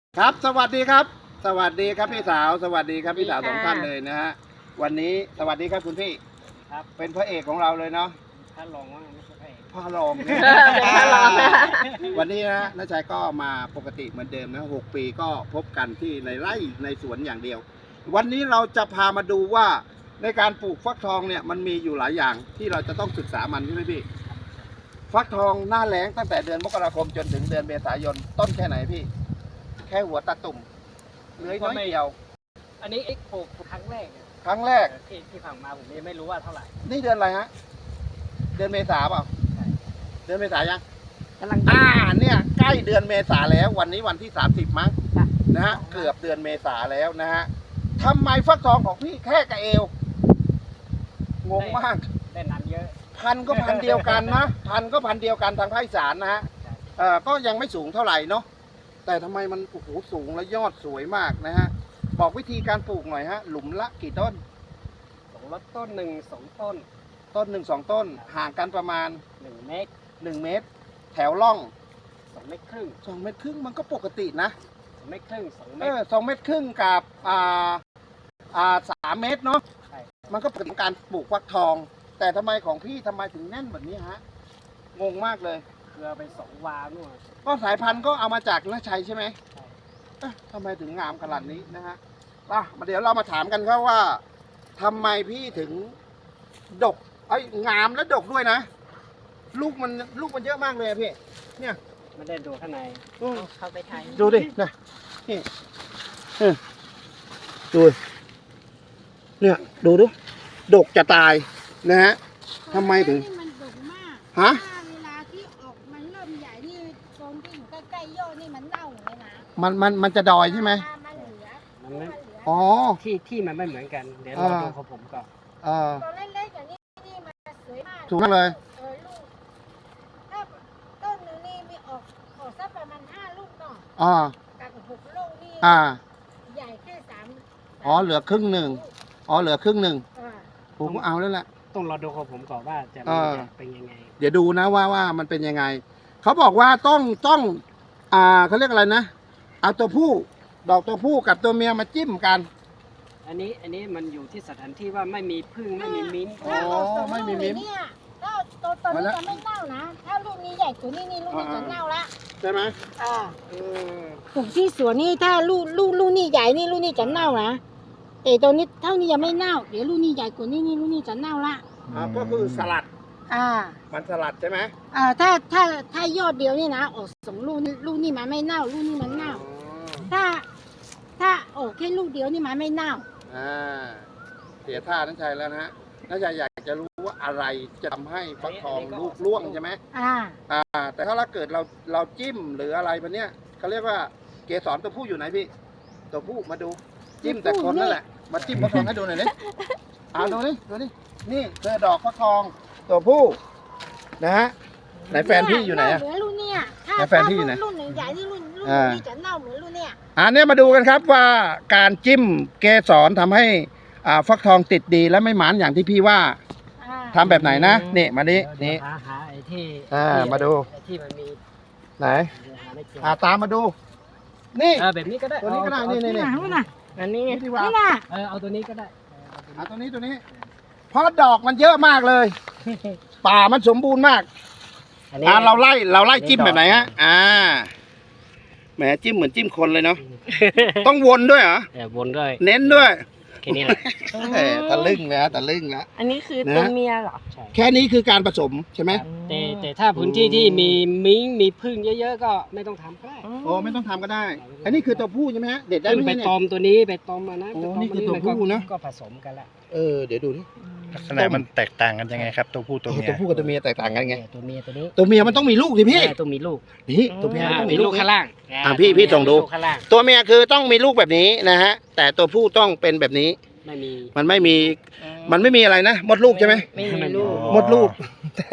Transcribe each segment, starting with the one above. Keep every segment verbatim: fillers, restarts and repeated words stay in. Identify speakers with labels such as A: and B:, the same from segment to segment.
A: ครับสวัสดีครับ สวัสดีครับพี่สาวสวัสดีครับพี่สาวสองท่านเลยนะฮะวันนี้สวัสดีครับคุณพี่
B: ครับ
A: เป็นพระเอกของเราเลยเนาะ
B: ถ้าลองว่าไม่ใช่พระเอก
A: พระรองเนี่ย
C: เป็นพระรองนะ
A: วันนี้นะน้าชายก็มาปกติเหมือนเดิมนะหกปีก็พบกันที่ในไร่ในสวนอย่างเดียว วันนี้เราจะพามาดูว่าในการปลูกฟักทองเนี่ยมันมีอยู่หลายอย่างที่เราจะต้องศึกษามันใช่ไหมพี่ฟักทองหน้าแล้งตั้งแต่เดือนมกราคมจนถึงเดือนเมษายนต้นแค่ไหนพี่แค่หัวตาตุ่มเลื้อยน้อยเดียว
B: อันนี้เอ็กปลูกครั้งแรกเนี่ย
A: ครั้งแรก
B: ที่ที่ผ่านมาผมยังไม่รู้ว่าเท่าไหร่
A: นี่เดือนอะไรฮะเดือนเมษาเปล่า
B: ใช่
A: เดือนเมษายัง
C: กำลัง
A: อ่าเนี่ยใกล้เดือนเมษาแล้ววันนี้วันที่สามสิบมั้ง
C: ค่ะ
A: นะฮะเกือบเดือนเมษาแล้วนะฮะทำไมฟักทองของพี่แค่กระเอวงงมาก
B: ได้น้ำเยอะ
A: พันธุ์ก็พันธุ์เดียวกันนะพันธุ์ก็พันธุ์เดียวกันทางภาคอีสานนะฮะ
B: ใช่
A: เอ่อก็ยังไม่สูงเท่าไหร่เนาะแต่ทำไมมันโอ้โหสูงและยอดสวยมากนะฮะบอกวิธีการปลูกหน่อยฮะหลุมละกี่ต้น
B: สองรถต้นหนึ่งสองต้น
A: ต้นหนึ่งสองต้นห่างกันประมาณ
B: หนึ่งเมตร
A: หนึ่งเมตร แถวร่อง
B: สองเมตรครึ่ง
A: สองเมตรครึ่งมันก็ปกตินะ
B: สองเมตรครึ่งสองเม
A: เอ
B: ตร
A: อสองเมตรครึ่งกับอ่าอ่าสามเมตรเนาะ
B: ใช่
A: มันก็เป็นการปลูกฟักทอง แต่ทำไมของพี่ทำไมถึงแน่นแบบนี้ฮะงงมากเลย
B: เกลือไปสองวานู่น
A: ก็สายพันธุ์ก็เอามาจากนาชัยใช่ไหม
B: ใช่
A: เอ๊ะทำไมถึงงามขนาดนี้นะฮะอ่ะมาเดี๋ยวเรามาถามกันครับว่าทำไมพี่ถึงดกไอ้ยงามและดกด้วยนะ ลูกมันลูกมันเยอะมากเลยอะพี่เนี่ย
B: ไม่ได้ดูข้างใน
A: อืม
C: เข้าไปถ่าย
A: ดูดินะนี่เออดูเนี่ยดูดูดกจะตายนะฮะทำไมถึง
D: นี่มันดกมาก
A: ฮะ
D: ถ้าเวลาที่ออกมันเริ่มใหญ่นี่ตรงที่อยู่ใกล้ๆยอดนี่มันเน่าเลยนะ
A: มันมันมันจะดอยใช่ไหม
D: มันเหลือ
B: มันไม่
D: มันเหลือ
A: อ๋อ
B: ที่ที่มันไม่เหมือนกันเดี๋ยวเรา
A: อ่า
B: ดูของผมก่อน
A: เออ
D: ตอนเล็กๆอย่างนี้นี่มันสวยมาก
A: ถูกมากเลย
D: เออลูกถ้าต้นหนึงนี่มีออกออกสักประมาณห้าลูกเนาะ
A: อ่า
D: กับหกลูกนี่
A: อ่า
D: ใหญ่แค่สาม
A: อ๋อเหลือครึ่งหนึ่ง อ๋อเหลือครึ่งหนึ่ง
D: อ่า
A: ผมก็เอาแล้วแหละ
B: ต้องรอดูของผมก่อนว่าจะ
A: เออ
B: จะเป็นยังไง
A: เดี๋ยวดูนะว่าว่ามันเป็นยังไง เขาบอกว่าต้องต้องอ่าเขาเรียกอะไรนะ เอาตัวผู้ดอกตัวผู้กับตัวเมียมาจิ้มกัน
B: อันนี้อันนี้มันอยู่ที่สถานที่ว่าไม่มีพึ่งไม่มีมิ้นท์
A: อ๋อ
D: ถ้าออกสอง
A: ไม่มี
D: ลูก
A: มิ้น
D: เนี่ยถ้าตัวตัว
A: มา
D: นี้
A: แล้ว
D: จะไม่เน่านะ ถ้าลูกนี้ใหญ่กว่านี้นี่ลูกนี้
A: อ่า
D: จะเน่าละ
A: ใช่ไหม
D: อ่า
A: เออ
D: ปลูกที่สวนนี่ถ้าลูกลูกลูกนี่ใหญ่นี่ลูกนี่จะเน่านะแต่ตัวนี้เท่านี้ยังไม่เน่าเดี๋ยวลูกนี่ใหญ่กว่านี้นี่ลูกนี่จะเน่าละ
A: อ่าก็คือสลัด
D: อ่า
A: มันสลัดใช่ไหม
D: อ่าถ้าถ้าถ้ายอดเดียวนี่นะออกสองลูกนี่ลูกนี่มันไม่เน่าลูกนี่มันเน่า ถ้า ถ้าออกแค่ลูกเดียวนี่มันไม่เน่า
A: อ่าเสียท่านันชัยแล้วนะฮะนันชัยอยากจะรู้ว่าอะไรจะทำให้ฟักทองลูกร่วงใช่ไหม
D: อ่า
A: อ่า แต่ถ้าเราเกิดเราเราจิ้มหรืออะไรแบบเนี้ยเขาเรียกว่าเกสรตัวผู้อยู่ไหนพี่ ตัวผู้มาดู จิ้มแต่คนนั่นแหละ มาจิ้มฟักทองให้ดูหน่อยนี่เอาดูนี่ดูนี่นี่คือดอกฟักทองตัวผู้นะฮะไหนแฟนพี่อยู่ไหนอะ
D: เน่าเหมือนลูกเนี่ยถ้า
A: แล้วแฟนพี่อยู่ไหน
D: ถ้าลูกหนึ่งใหญ่นี่ลูกลูก
A: อ่า
D: นี่จะเน่าเหมือนลูกเนี่ย
A: อันนี้มาดูกันครับว่าการจิ้มเกสรทำให้อ่าฟักทองติดดีและไม่หมานอย่างที่พี่ว่า
D: อ่า
A: ทำแบบไหนนะนี่มาดิ
B: เดี๋ยว
A: นี่
B: หาหาไอ้ที่
A: อ่า
B: ที่
A: มาดู
B: ไอ้ที่มันมี
A: ไหน
B: หาไม่เจอ
A: อ่าตามมาดู นี่
B: เออแบบนี้ก็ได้
A: ตัวนี้ก็ได้
B: เอา
A: นี่นี่นี่
D: นี่นะ
B: อันนี้
A: นี่ดีกว่า
D: นี่นะ
B: เออเอาตัวนี้ก็ได้
A: อ่าตัวนี้ตัวนี้เพราะดอกมันเยอะมากเลย ป่ามันสมบูรณ์มาก
B: อันนี้
A: อ่าเราไล่เราไล่
B: นี่
A: จิ้ม
B: ดอก
A: แบบไหนฮะอ่าแหมจิ้มเหมือนจิ้มคนเลยเนาะต้องวนด้วยเหรอ
B: เออวนด้วย
A: เน้นด้วย
B: แค่นี้แหละ
A: เอ้ยตะลึงแล้วตะลึงแล้ว
C: อันนี้คือ
A: นะ
C: ตัวเมียเหรอ
B: ใช่
A: แค่นี้คือการผสมใช่ไหม
B: แต่แต่ถ้าพื้นที่ที่มีมิ้งมีพึ่งเยอะๆก็ไม่ต้องทำก็ได้
A: โอ้ไม่ต้องทำก็ได้ อันนี้คือตัวผู้ใช่ไหมฮะเด็ดได้
B: พึ่ง
A: ไหม
B: ไป
A: เนี่ย
B: ตอมตัวนี้ไปตอมมานะ
A: โอ้
B: ไปตม
A: นี่คือ
B: มา
A: ตัวผู้นะ
B: ก็ผสมกันละ
A: เออเดี๋ยวดูนี่
E: ลักษณะมันแตกต่างกันยังไงครับ ตัวผู้ตัวเมีย
A: ตัวผู้กับตัวเมียแตกต่างกันไง
B: เออตัวเมียตัวนี้
A: ตัวเมียมันต้องมีลูกสิพี่
B: ใช่ต้องมีลูก
A: นี่ตัวเมียมัน
B: อ่า
A: ต้อง
B: มี
A: มี
B: ลู
A: ลู
B: ก
A: ก
B: ข้างล่าง
A: อ่าพี่พี่ส่งดู
B: มีลูกข้างล่าง
A: ตัวเมียคือต้องมีลูกแบบนี้นะฮะ แต่ตัวผู้ต้องเป็นแบบนี้
B: ไม่มี
A: มันไม่มี มันไม่มีอะไรนะมดลูกใช่ไหม
C: ไม่มีลูก
A: มดลูก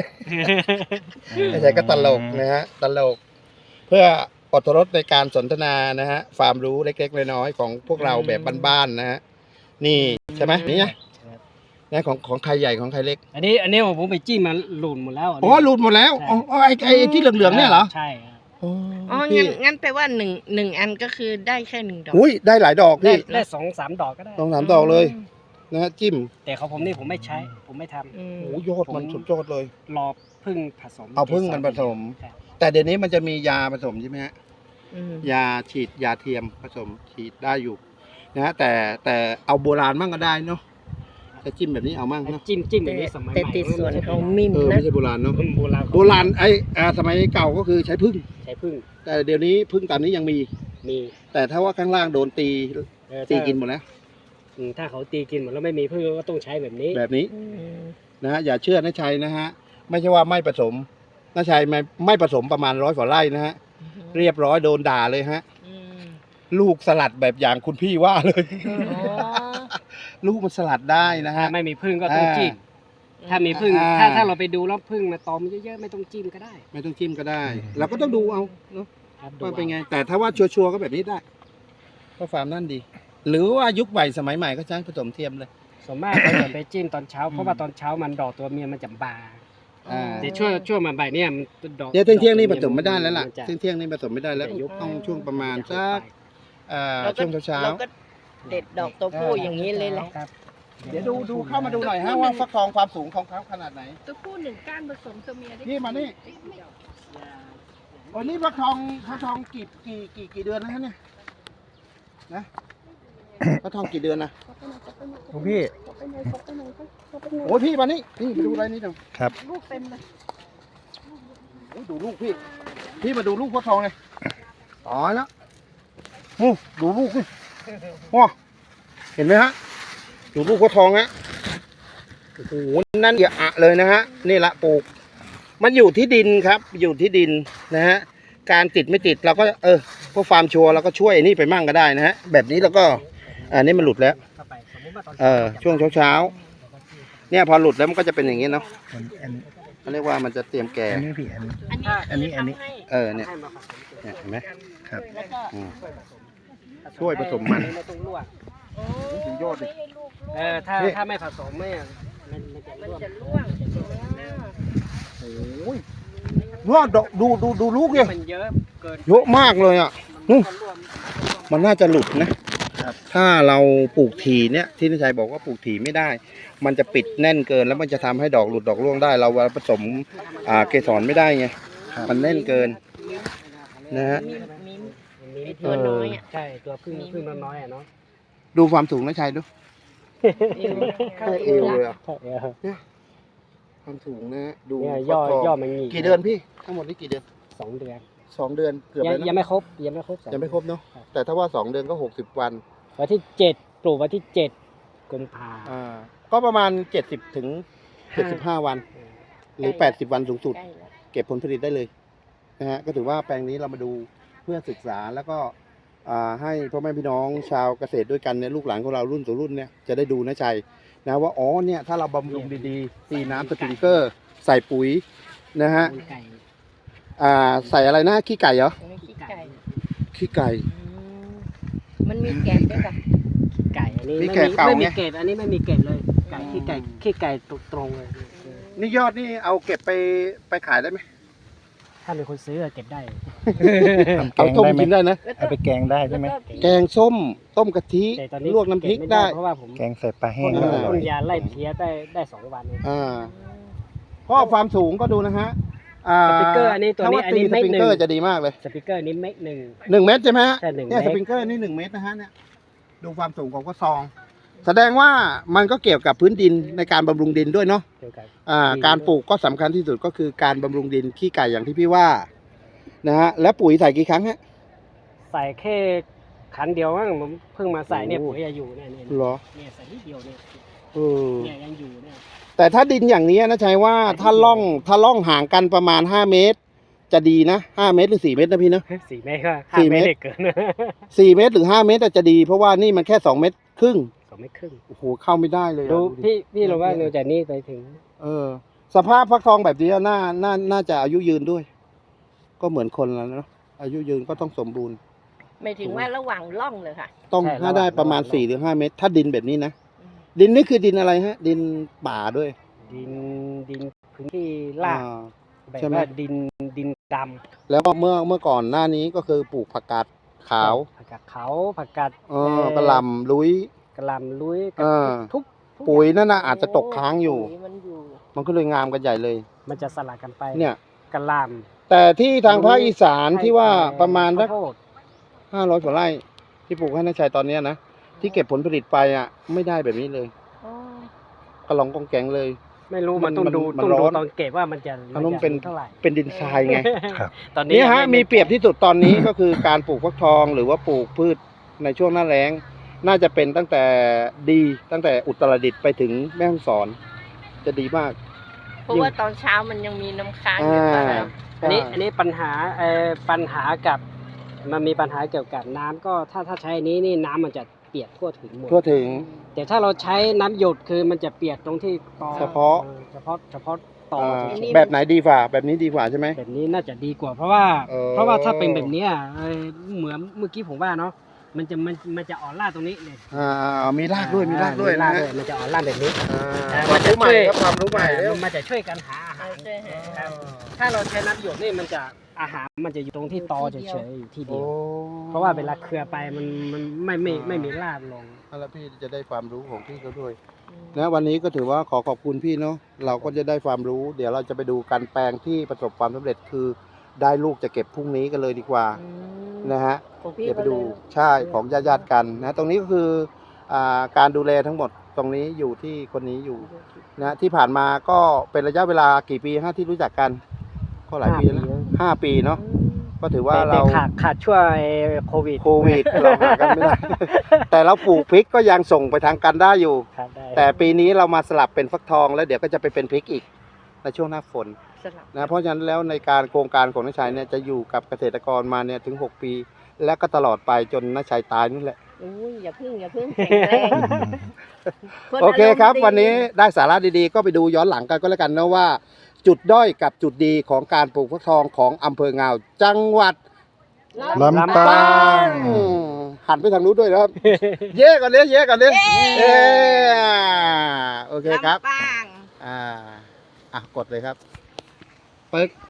A: ไม่ใช่ก็ตลกนะฮะตลก เพื่ออดรสในการสนทนานะฮะความรู้เล็กๆน้อยๆของพวกเราแบบบ้านๆนะฮะนี่ใช่ไหมนี่ไงนะของของใครใหญ่ของใครเล็ก
B: อันนี้อันนี้ผมไปจิ้มมาหลุดหมดแล้วนนี้
A: อ๋อหลุดหมดแล้วอ๋ออ๋อไอ้ไอ้ที่เหลืองๆเนี่ยเหรอ
B: ใช่ครับ
A: อ๋อ
C: อ๋อ
A: พี่
C: งั้นงั้นแปลว่าหนึ่งหนึ่งอันก็คือได้แค่หนึ่งดอก
A: อุ้ยได้หลายดอก
B: ได้
A: พี่
B: ได้สองสามดอกก็ได้
A: สองสามดอกเลยนะฮะจิ้ม
B: แต่ของผมนี่ผมไม่ใช้ ผมไม่ทำ
C: อืม
A: โอ้ยอดมันสุดยอดเลย
B: รอพึ่งผสม
A: เอาพึ่งมันผสม
B: ใช่
A: แต่เดี๋ยวนี้มันจะมียาผสมใช่ไหมฮะ
C: อืม
A: ยาฉีดยาเทียมผสมฉีดได้อยู่นะฮะแต่แต่เอาโบราณมั่งก็ได้เนาะจะจิ้มแบบนี้เอามั่ง
B: ไอ้
A: เนาะ
B: จิ้มจิ้มอ
C: แต่
B: ย่างนี้สมัยให
C: แต่
B: ม่
C: ติดส่วนของมิม
A: เออ
C: นะ
A: ไม่ใช่โบราณเนาะ
B: โบราณ
A: โบราณไอ้อ่าสมัยเก่าก็คือใช้พึ่ง
B: ใช้พึ่ง
A: แต่เดี๋ยวนี้พึ่งตามนี้ยังมี
B: มี
A: แต่ถ้าว่าข้างล่างโดนตี
B: เออ
A: ตี
B: ถ้า
A: กินหมดแล้ว
B: อืมถ้าเขาตีกินหมดแล้วไม่มีพึ่งก็ต้องใช้แบบนี้
A: แบบนี้
C: อืม
A: นะฮะอย่าเชื่อนะชัยนะฮะไม่ใช่ว่าไม่ผสมนะชัยไม่ไม่ผสมประมาณร้อยกว่าไร่นะฮะเรียบร้อยโดนด่าเลยฮะ
C: อืม
A: ลูกสลัดแบบอย่างคุณพี่ว่าเลย
C: อ๋อ
A: ลูกมันสลัดได้นะ
B: ถ้า
A: ฮะ
B: ไม่มีพึ่งก็ต้อง
A: อ่า
B: จิ้มถ้ามีพึ่ง
A: อ่า
B: ถ้าถ้าเราไปดูแล้วพึ่งมาตอมเยอะๆไม่ต้องจิ้มก็ได้
A: ไม่ต้องจิ้มก็ได้ เราก็ต้องดูเอาเนาะ
B: ครับ
A: ว่าเป็นไง แต่ถ้าว่าชัวร์ๆก็แบบนี้ได้ก็ฟาร์มนั่นดี หรือว่ายุคใหม่สมัยใหม่ก็ใช้ผสมเทียมเลย
B: ส่วนมากเราจะไปจิ้มตอนเช้า เพราะว่าตอนเช้ามันดอกตัวเมียมันจะบาน
A: อ่า
B: แต่ช่วงช่วงบ่ายๆเนี่ยมันดอก
A: เนี่ยเที่ยงเที่ยงๆนี่
B: ด
A: ผ
B: อก
A: สมไม่ได้แล้วล่ะ
B: นจ
A: เที่ยงเที่ยงๆนี่ผสมไม่ได้แล้ว
B: จะยุบ
A: ต้องช่วงประมาณสักเอ่อ
C: เราก็
A: ช่วงเช้า
C: เราก็เด็ดดอกตัวผู้อย่างนี้เลยแหละ
B: ครับ
A: ๆเดี๋ยวดูดูเข้ามาดูหน่อยฮะว่าฟักทองความสูงของเขาขนาดไหน
D: ตัวผู้หนึ่งก้านผสมตัวเมียได้
A: นี่มานี่วันนี้ฟักทองฟักทองกี่กี่กี่กี่เดือนแล้วฮะเนี่ยนะฟักทองกี่เดือนนะ
E: หลวงพี่
A: โอ้ยพี่มานี่นี่มาดูอะไรนี่เดี๋ยว
E: ครับ
D: ลูกเต็มเลย
A: โอ้ยดูลูกพี่ พี่มาดูลูกฟักทองเลยตายแล้วโอ้ดูลูกนี่ว้าเห็นไหมฮะดูลูกฟักทองฮะโอ้โหนั่นอย่าอะเลยนะฮะนี่ละปลูก มันอยู่ที่ดินครับ อยู่ที่ดินนะฮะการติดไม่ติดเราก็เออพวกฟาร์มชัวร์เราก็ช่วยไอ้นี่ไปมั่งก็ได้นะฮะแบบนี้เราก็อันนี้มันหลุดแล้ว
B: เข้าไปสมมุติว่าตอน
A: เออช่วงเช้าๆเนี่ยพอหลุดแล้วมันก็จะเป็นอย่างนี้เนาะ
E: อันอัน
A: เขาเรียกว่ามันจะเตรียมแก่
E: อันนี้พี่อันนี้
C: อันนี้
E: อันนี้
C: ทำให้
A: เออเนี่ย
B: ให้มาผสมตัว
A: เนี่ยเห็นไหม
E: ครับ
C: แล้วก็
A: อืม
B: ช่วยผสม
A: ช่วยผสมมัน
B: ไม่ต้องลวก
C: โอ้
A: ถึงยอดดิ
C: ไม่ให้ลูกร่วง
B: เออถ้า
A: นี่
B: ถ้าไม่ผสมเนี่ยมันมันจะ
C: มัน
B: ร่วง
C: จะร่วง
A: โอ้ยว่าดูดูดูดูลูกเนี่ย
B: มันเยอะเกิน
A: เยอะมากเลยอ่ะ
B: มัน
A: นู่น
B: ก็ร่วง
A: มันน่าจะหลุดนะ ถ้าเราปลูกถี่เนี่ยที่นิชัยบอกว่าปลูกถี่ไม่ได้ มันจะปิดแน่นเกินแล้วมันจะทำให้ดอกหลุดดอกร่วงได้ เราผสมอ่าเกสรไม่ได้ไง มันแน่นเกินนะฮะ
C: มิมมิม
B: มี
C: ไอ้ตัวน้อยอ่ะ
B: ใช่ตัวพึ่งพึ่งน้อยๆอ่ะเนาะ
A: ดูความสูงนะชัยดู
C: เข้า
A: เอ
C: เอว
A: ว
C: ละ
A: เลยอะ
B: เออ
A: ความสูงนะฮะดู
B: เนี่ยย่อ
A: ฟักทง
B: ย่อมันหงิก
A: กี่เดือนพี่ทั้งหมดนี่กี่เดือน
B: สองเดือน
A: สองเดือนเกือบ
B: ยัง
A: แล้ว
B: ยัง
A: นะ
B: ไม่ครบยังไม่ครบสอ
A: ยังไม่ครบเนาะ
B: ครับ
A: แต่ถ้าว่าสองเดือนก็หกสิบวัน
B: วันที่เจ็ดปลูกวันที่เจ็ดกุมภา
A: อ่าก็ประมาณเจ็ดสิบถึงเจ็ดสิบห้าวัน หรือแปดสิบวันสูงสุด
C: ใกล้แล้ว
A: เก็บผลผลิตได้เลยนะฮะก็ถือว่าแปลงนี้เรามาดูเพื่อศึกษาแล้วก็อ่าให้พ่อแม่พี่น้องชาวเกษตรด้วยกันเนี่ยลูกหลานของเรารุ่นสู่รุ่นเนี่ยจะได้ดูนะชัยนะว่าอ๋อเนี่ยถ้าเราบำรุงดีๆตีน้ำสปริงเกอร์ ใส่ปุ๋ยนะฮะ
B: มีไก่
A: อ่าใส่อะไรนะขี้ไก่เหรอ
C: ตรงนี้ขี้ไก่
A: ขี้ไก่
C: อืมมันมีแกนด้วยป่ะ
B: ไก่อันนี้
A: มี
B: ไม่
A: แกะ
B: มี
A: เก่า
B: ไม่มี
A: ไง
B: เกล็ดอันนี้ไม่มีเกล็ดเลยไก่ขี้ไก่ขี้ไก่ตรงๆเลย
A: นี่ยอดนี่เอาเก็บไปไปขายได้ไหม
B: ถ้ามีคนซื้อเก็บได้
E: ทำแก
A: เอา
E: ง
A: ต้ม
E: ได้ไหม
A: กินได้นะ
C: แล้วก็
E: เอาไปแกงได้ใช่ไหม
C: แล้วก็
A: แกงส้มต้มกะทิ
B: แต่ตอนนี้
A: ลวกน้ำพริก
B: เบม่
A: ได้
B: เพราะว่าผม
E: แกงใส่ปลาแห้
B: พ่
E: ง
B: น
E: ก็อร่
B: พ่
E: อน ย
B: ยาไล่เพี้ยได้ได้สองวันเอง
A: อ่าเพราะความสูงก็ดูนะฮะอ่า
B: สปริงเกอร์อันนี้ตัวนี้
A: ถ้าา
B: อันนี้
A: ตีส
B: เม็ด
A: ปริง
B: หนึ่ง
A: เกอร์จะดีมากเลย
B: สปิเกอร์นี้เม็ดหนึ่ง
A: หนึ่งเมตรใช่ไหมฮะ
B: ใช่หนึ่ง
A: เนี่ย
B: เม็
A: ส
B: ด
A: ปริงเกอร์นี่หนึ่งเมตรนะฮะเนี่ยดูความสูงของกระซอง แสดงว่ามันก็เกี่ยวกับพื้นดินในการบำรุงดินด้วยเนาะ
B: เดียวกัน
A: อ่า
B: อืม
A: การปลูกก็สำคัญที่สุดก็คือการบำรุงดินขี้ไก่อย่างที่พี่ว่านะฮะแล้วปุ๋ยใส่กี่ครั้งฮะ
B: ใส่แค่ขันเดียวมั้งผมเพิ่งมาใส่เนี่ย
A: โอ้
B: ปุ๋ยจะอยู่เนี่ยเนี่ย
A: เหรอ
B: เนี่ยใส่นิดเดียวเนี่ย
A: เออ
B: เนี่ยยังอยู่เนี่ย
A: แต่ถ้าดินอย่างนี้นะชัยว่าถ้าล่องถ้าล่องห่างกันประมาณห้าเมตร จะดีนะห้าเมตรหรือสี่เมตรนะพี่เนาะ
B: สี่เมตรก็
A: สี่
B: ห้า
A: เม
B: เม
A: ต
B: ต
A: ร
B: รเกิน
A: สี่เมตรหรือห้าเมตรจะดี เพราะว่านี่มันแค่สองเมตรครึ่ง
B: สองเมตรครึ่ง
A: โอ้โหเข้าไม่ได้เลยอะ
B: ดู
A: ดิ
B: พี่พี่เราว่าเราจากนี้ไปถึง
A: เออ สภาพฟักทองแบบนี้น่าน่าน่าจะอายุยืนด้วย ก็เหมือนคนแล้วเนาะอายุยืนก็ต้องสมบูรณ์
C: ไม่ถึงว่าระหว่างล่องเลยค่ะ
A: ต้องถ้าได้ประมาณสี่หรือห้าเมตร ถ้าดินแบบนี้นะดินนี่คือดินอะไรฮะ ดินป่าด้วย
B: ดินดินพื้นที่ลาด
A: อ่
B: แบบ
A: ใช่ไหม
B: ว่าดินดินด
A: แล้วก็เมื่อเมื่อก่อนหน้านี้ก็คือปลูกผักกาด
B: ำ
A: ขาว
B: ผักกาดขาวผักกาด
A: เออกระหล่ำลุย
B: กระหล่ำลุยก
A: เอ
B: ระ
A: อ
B: ทุกทุก
A: ปุ๋ยนั่นน่ะอาจจะตกค้างอยู่
C: ปุ๋มันอยู่
A: มันก็เลยงามกันใหญ่เลย
B: มันจะสลัดกันไป
A: เนี่ย
B: กระหล่
A: แต่ที่ทางภาคอีสาน
B: ำ
A: ที่ว่า
B: ให้
A: ประมาณสัก
B: ข้วโพด
A: ห้าร้อยกว่าไร่ที่ปลูกให้นายชัยตอนเนี้ยนะที่เก็บผลผลิตไปอ่ะ ไม่ได้แบบนี้เลย
C: อ๋อ
A: กระหลองกองแกงเลย
B: ไม่รู้
A: มั
B: มัน นต้องดู
A: มัน
B: ต้องดู
A: ร้อน
B: ตอนเก็บว่ามันจะ
A: อันนู้น
B: มัจะ
A: เป็น
B: เท่าไหร่
A: เป็นดินทรายไง
E: ครับ
B: ตอนนี้
A: นี่ฮะ
B: ยังไ
A: มีเปรียบที่สุดตอนนี้ ก็คือการปลูกฟักทองหรือว่าปลูกพืชในช่วงหน้าแล้ง น่าจะเป็นตั้งแต่ดีตั้งแต่อุตรดิตถ์ไปถึงแม่ฮ่องสอน จะดีมาก
C: เพราะว่าตอนเช้ามันยังมีน้ำค้างอยู่
A: อ่า
C: ตอนนั้น
B: อันนี้อันนี้ปัญหาเอ่อปัญหากับมันมีปัญหาเกี่ยวกับน้ำก็ถ้าถ้าใช้อันนี้นี่น้ำมันจะเปียกทั่วถึงหมด
A: ทั่วถึง
B: แต่ถ้าเราใช้น้ำหยดคือมันจะเปียกตรงที่ตอ
A: เฉพาะ
B: ออเฉพาะเฉพาะตอ
A: อ่า
B: เฉย
A: แบบไหนดีกว่า แบบนี้ดีกว่าใช่ไหม
B: ๆแบบนี้น่าจะดีกว่า เพราะว่า
A: เออ
B: เพราะว่าถ้าเป็นแบบเนี้ยเอ่อเหมือนเมื่อกี้ผมว่าเนาะมันจะมันมันจะอ่อนล่าตรงนี้เนี่ย
A: อ่ามีรากด้วยมีรากด้วย
B: มี
A: นะ
B: ราก
A: ฮะ
B: ด้วยมันจะอ่อนล่าแบบนี้
A: อ่า
B: เออ
A: ความรู้ใหม่ครับความรู้ใหม่เร็ว
B: มันจะช่วยกันหาอาหาร
C: ช่วยหา
B: ครับถ้าเราใช้น้ำหยดนี่มันจะอาหารมันจะอยู่ตรงที่ตอเฉยๆอยู่ที่เดียว เพราะว่าเวลาเครือไปมันมันไม่ไม่ไม่มีรากลง
A: แล้วพี่จะได้ความรู้ของพี่เขาด้วยนะวันนี้ก็ถือว่าขอขอบคุณพี่เนาะเราก็จะได้ความรู้ เดี๋ยวเราจะไปดูการแปลงที่ประสบความสำเร็จคือได้ลูกจะเก็บพรุ่งนี้กันเลยดีกว่า
C: อืม
A: นะฮะ
C: ของพี่
A: เดี๋ยวไป
C: ก็เล
A: ดู
C: ย
A: ใช่ของญาติญาติๆกันนะตรงนี้ก็คืออ่าการดูแลทั้งหมดตรงนี้อยู่ที่คนนี้อยู่นะที่ผ่านมาก็เป็นระยะเวลากี่ปีฮะที่รู้จักกันก็หลายปีแล้วนะห้าปีเนาะก็ถือว่า
B: แต่
A: เรา
B: แต่ขาดขาดช่วยโควิด
A: โควิดเราหากันไม่ได้ แต่เราปลูกพริกก็ยังส่งไปทางกันได้อยู่
B: ขาดได้
A: แต่ปีนี้เรามาสลับเป็นฟักทองแล้วเดี๋ยวก็จะไปเป็นพริกอีกในช่วงหน้าฝน
C: สลับ
A: นะเพราะฉะนั้นแล้วในการโครงการของน้าชัยเนี่ยจะอยู่กับเกษตรกรมาเนี่ยถึงหกปี และก็ตลอดไปจนน้าชัยตายนี่แหละ
C: อุ้ยอย่าพึ่งอย่าพึ่งแข็งแรง
A: โอเคครับ
C: น
A: วันนี้
C: อารมณ์ดี
A: ได้สาระดีๆ ก็ไปดูย้อนหลังกันก็แล้วกันนะว่า จุดด้อยกับจุดดีของการปลูกฟักทองของอำเภองาว จังหวัด
E: ลำปาง
A: อืมหันไปทางนู้นด้วยนะครับ เย่ก่อนเนี้ยเย่ก่อนเนี้ยเย่โอเคครับ
C: ลำปาง
A: อ่าอ่ะกดเลยครับปึ๊ก